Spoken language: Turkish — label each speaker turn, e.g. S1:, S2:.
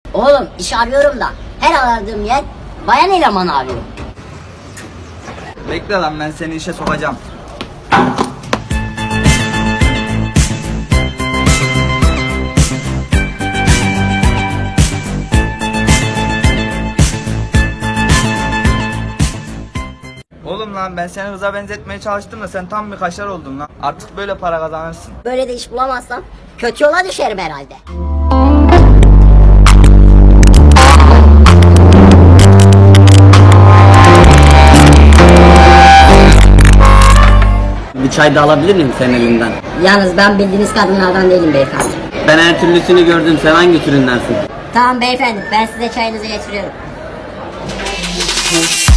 S1: Oğlum iş arıyorum da her aradığım yer bayan eleman arıyor.
S2: Bekle lan, ben seni işe sokacağım. Oğlum lan, ben seni hıza benzetmeye çalıştım da sen tam bir kaşar oldun lan. Artık böyle para kazanırsın.
S1: Böyle de iş bulamazsam kötü yola düşerim herhalde.
S3: Bir çay da alabilir miyim senin elinden?
S1: Yalnız ben bildiğiniz kadınlardan değilim beyefendi.
S3: Ben her türlüsünü gördüm. Sen hangi türündensin?
S1: Tamam beyefendi, ben size çayınızı getiriyorum.